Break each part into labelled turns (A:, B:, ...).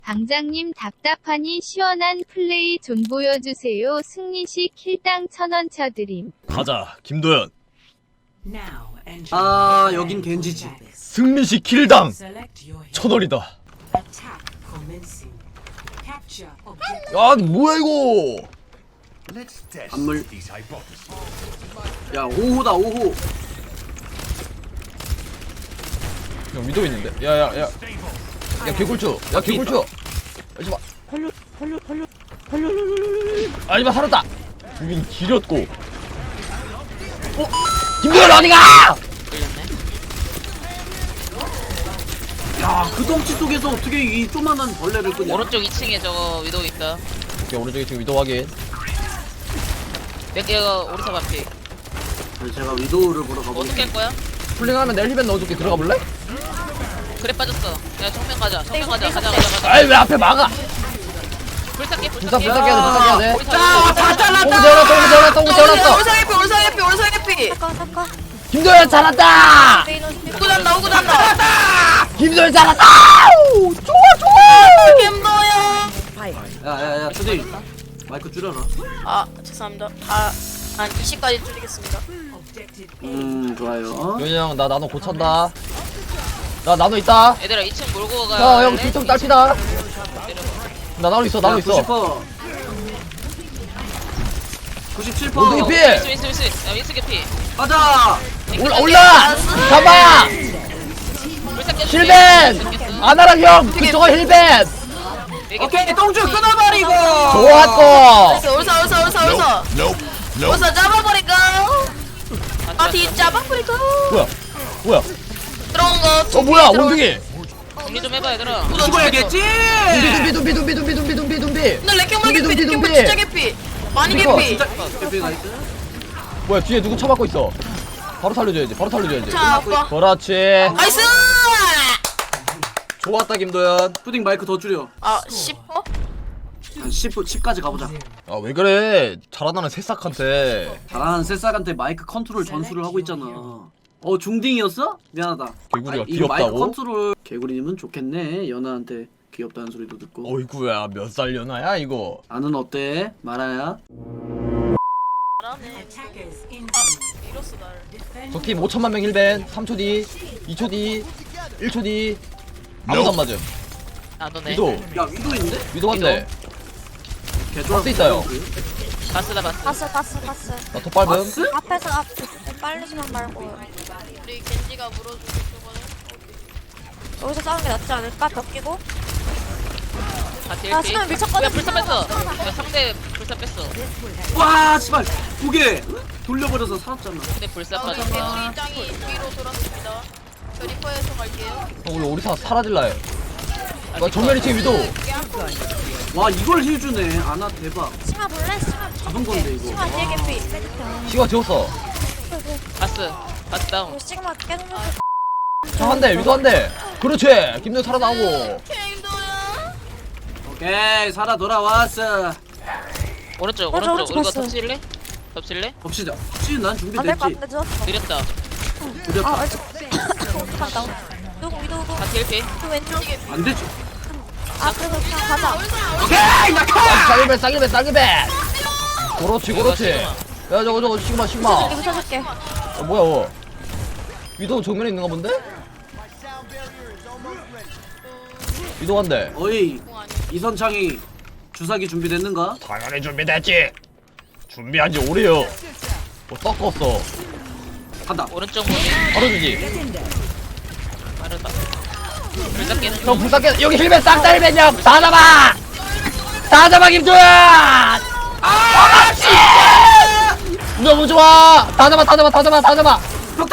A: 방장님 답답하니 시원한 플레이 좀 보여주세요. 승리시 킬당 1000원 쳐드림.
B: 가자 김도현.
C: 아 여긴 겐지지.
B: 승리시 킬당 1000원이다. 야 뭐야 이거.
C: 안물. 야 5호다 5호.
B: 형 위도 있는데. 야야야. 야 개꿀초. 야 개꿀초. 하지마. 살려. 하지마 살았다. 주민 길었고. 김도현 어디가?
C: 야 그 덩치 속에서 어떻게 이 조만한 벌레를 끄냐.
D: 오른쪽 2층에 저거 위도우 있다.
B: 오케이 오른쪽에 지금 위도 확인.
D: 몇 개가 오리사 반피.
C: 제가 위도우를 보러
D: 어떻게
C: 가보겠습니다.
D: 할 거야?
B: 풀링하면 내 헬멧 넣어줄게. 들어가 볼래?
D: 그래 빠졌어. 야 정면 가자. 정면 가자. 가자.
B: 아이 왜 앞에 막아?
D: 불사게
B: 불사
D: 불사게.
B: 불사 깨야 돼.
D: 오리사.
C: 다 잘랐다.
B: 똥 재웠어.
D: 올상해피.
E: 잠깐.
B: 김도현 잘한다.
D: 오고 잔다.
B: 김도현 잘한다. 좋아.
C: 야야야 초대. 마이크 줄여라.
E: 아 죄송합니다. 한 20까지 줄이겠습니다.
C: 좋아요.
B: 요니 형 나 나노 고찬다. 나 나노 있다.
D: 얘들아 2층 몰고 가.
B: 형 뒤쪽 딸피다. 나 나노 있어.
C: 90%. 97%.
B: 몽둥이 피.
D: 윈스. 야 윈스 개피.
C: 가자.
B: 올라. 가봐.
D: 불사 깼어.
B: 힐벤. 아나랑 형 그쪽은 힐벤.
C: 오케이 똥줄 끊어버리고.
B: 좋았고.
E: 올사 잡아버릴까? 아뒤 잡아버릴까?
B: 뭐야?
E: 들어온 거.
B: 뭐야 원숭이.
D: 정리 좀 해봐 얘들아.
C: 죽어야겠지.
B: 둠비.
E: 너 레킹볼 개피.
B: 둠비.
E: 레킹볼 진짜 개피. 많이
B: 그니까.
E: 개피.
C: 진짜 대피 나이스.
B: 뭐야 뒤에 누구 쳐맞고 있어. 바로 살려줘야지.
E: 자 아빠.
B: 그렇지.
E: 나이스.
B: 좋았다 김도현.
C: 푸딩 마이크 더 줄여.
E: 아 10호?
C: 한 10까지 가보자.
B: 아 왜 그래? 잘한다는 새싹한테.
C: 잘하는 새싹한테 마이크 컨트롤 전수를 하고 있잖아. 중딩이었어? 미안하다.
B: 개구리가
C: 이거 마이크
B: 귀엽다고?
C: 컨트롤. 개구리님은 좋겠네. 연아한테 귀엽다는 소리도 듣고.
B: 어이구야 몇 살 연하야 이거.
C: 나는 어때? 말아야.
E: 잘하네. 이로써 날.
B: 적팀 5천만 명 힐벤. 3초 뒤, 2초 뒤, 1초 뒤. 아무도 안 맞음.
D: 나도네.
B: 위도.
C: 야 위도 있는데?
B: 위도 한대.
C: 개쫄.
B: 박스 있어요.
D: 봤어.
E: 봤어.
B: 나토 빨음.
C: 박스?
E: 앞에서 빨리지만 말고. 우리 겐지가 물어주고 그거는 여기서 싸우는 게 낫지 않을까? 벽 끼고.
D: 다
E: 아,
D: 딜피.
E: 수면 미쳤거든.
D: 야 불사 뺐어. 야 상대 불사 뺐어.
C: 와 씨발 2개 돌려버려서 살았잖아.
D: 근데 불사 빠졌어.
E: 우리 짱이 뒤로 돌았습니다. 저 리퍼에서 갈게요.
B: 우리 오리사 사라질라 해. 와 정면 2층 위도.
C: 와 이걸 힐주네. 아나 대박.
E: 심화 볼래? 심화
C: 잡은 건데 이거.
E: 심화 뒤에 개피.
B: 시가 지웠어.
D: 바스 다운.
E: 이거 시그마 깨는 거.
B: 자 한대 위도 한대. 그렇지. 김도현 살아나오고.
E: 힘들어요.
C: 오케이 살아 돌아왔어.
D: 오른쪽
E: 맞아,
D: 우리가
E: 오른쪽
D: 덮칠래? 덮칠래?
C: 봅시다. 지금 난
E: 안될것
C: 준비됐지.
E: 같은데 늦었어.
D: 느렸다.
C: 두렵다.
E: 아 어떡한다. 누구 위도우고.
D: 다 딜피.
E: 그 왼쪽에.
C: 안 되지.
E: 아 그래서 그냥 가자.
C: 오케이 낙하.
B: 쌍일배. 그렇지. 야 저거 시그마.
E: 여기 붙여줄게.
B: 뭐야? 위도 정면에 있는가 본데? 위도 한대.
C: 어이 이선창이 주사기 준비됐는가?
B: 당연히 준비됐지. 준비한 지 오래요. 섞었어.
C: 간다.
D: 오른쪽 몸이
B: 바로 주지.
D: 빠르다. 불사 깨는
B: 형
D: 중.
B: 불쌍해. 여기 힐벤 싹다 힐벤이야. 다 잡아 김도현. 너무 좋아. 다 잡아.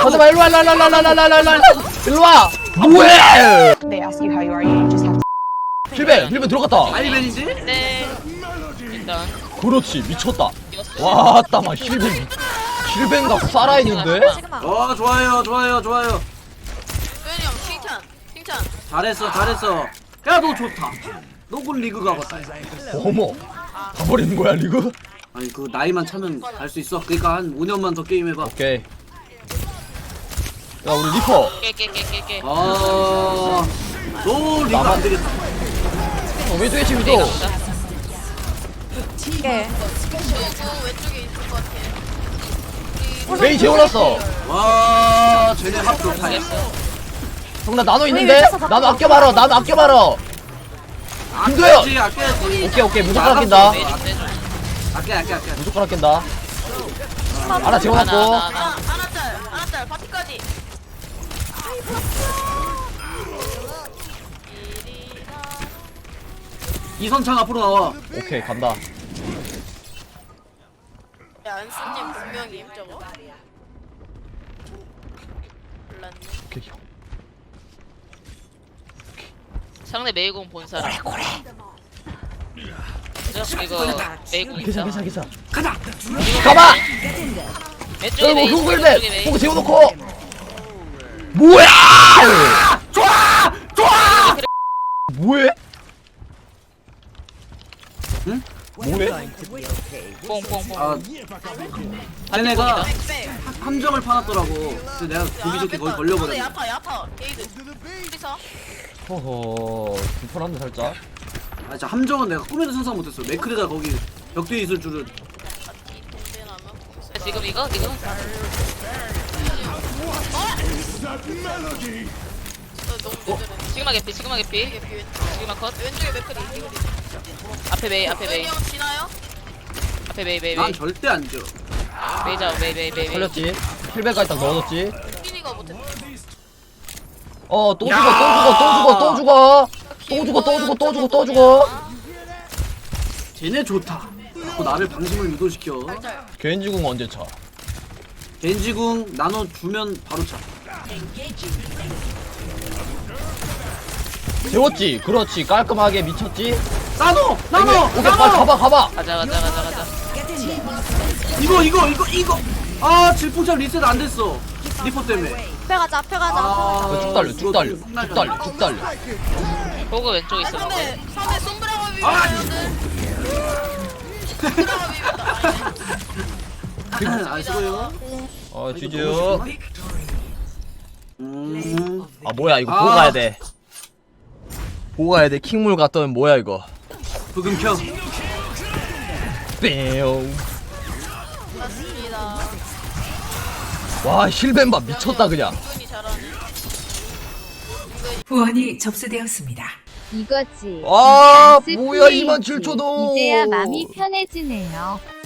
B: 일로 와. 뭐해?
F: They ask you how you are, you just have to.
B: 힐벤 들어갔다.
C: 아이벤이지?
D: 네. 일단
B: 그렇지 미쳤다. 와, 따마 힐벤가 살아있는데?
E: 시그마.
C: 좋아요.
E: 도현이 형 칭찬.
C: 잘했어. 야 너 좋다. 너군 리그 가봤다.
B: 어머, 가버리는 거야 리그?
C: 아니 그 나이만 차면 갈 수 있어. 그러니까 한 5년만 더 게임 해봐.
B: 오케이. 야 우리 리퍼.
D: 깨.
C: 너 리그 안 되겠다.
B: 왼쪽에 지금
D: 내가
B: 또.
D: 보자.
E: 이게
G: 왼쪽에 있을 것 같아.
B: 메이 재워놨어.
C: 와 쟤네 합 좋다.
D: 알겠어.
B: 형 나 나노 있는데? 나노 아껴봐라. 나노 아껴봐라. 김도현!
C: 아껴야지.
B: 오케이 무조건 아낀다.
D: 메이 좀 빼줘.
C: 아껴.
B: 무조건 아낀다. 하나
D: 하나
B: 재워놨고.
G: 하나짤, 파티까지.
C: 이선창 앞으로 나와.
B: 오케이 간다.
G: 야, 안수님 분명히 저거. 몰랐네.
B: 오케이 형.
D: 상대 메이공 본 사람. 그죠? 이거 메이공 있어.
B: 괜찮아.
C: 가자.
B: 가봐!
D: 왼쪽에
B: 여기 뭐
D: 메이.
B: 흉불
D: 왼쪽에
B: 대
D: 메이.
B: 보고 재워놓고. 뭐야!
C: 좋아.
B: 뭐해?
C: 응?
B: 뭐해?
D: 뽕뽕뽕.
C: 아 쟤네가 함정을 파놨더라고. 그래서 내가 보기 좋게 거기 걸려버렸네.
G: 야파. 게이드. 어디서?
B: 허허 불편한데 살짝.
C: 아 진짜 함정은 내가 꿈에도 상상 못했어. 맥크리가 거기 벽 뒤에 있을 줄은.
D: 지금 이거? 시그마 개피. 시그마 컷.
G: 왼쪽에 맥크리.
D: 앞에 메이.
G: 형 지나요?
D: 앞에 메이.
C: 난 절대 안 져.
D: 메이 잡아. 메이.
B: 살렸지? 킬백까지 딱 넣어줬지?
G: 휘니가 못했어.
B: 또 죽어.
C: 쟤네 좋다. 자꾸 나를 방심을 유도시켜.
B: 겐지궁 언제 차?
C: 겐지궁 나눠 주면 바로 차.
B: 재웠지? 그렇지 깔끔하게 미쳤지?
C: 나눠.
B: 오케이 빨리 가봐.
D: 가자.
C: 이거. 아 질풍참 리셋 안 됐어. 리포 때문에.
E: 앞에 가자.
B: 쭉 달려.
D: 호그 왼쪽에 있어.
G: 상대 손브라가 비비는데.
C: 안 쓰고요.
B: 쥐즈. 뭐야 이거
C: 아.
B: 보고 가야 돼. 킹물 갔더니 뭐야 이거.
C: 부금 켜.
B: 뿅.
G: 맞습니다.
B: 와 힐벤바 미쳤다 그냥.
G: 분이 잘하네.
H: 후원이 접수되었습니다.
A: 이거지.
B: 와
A: 댄스
B: 뭐야
A: 플레이지.
B: 27,000원.
A: 이제야 마음이 편해지네요.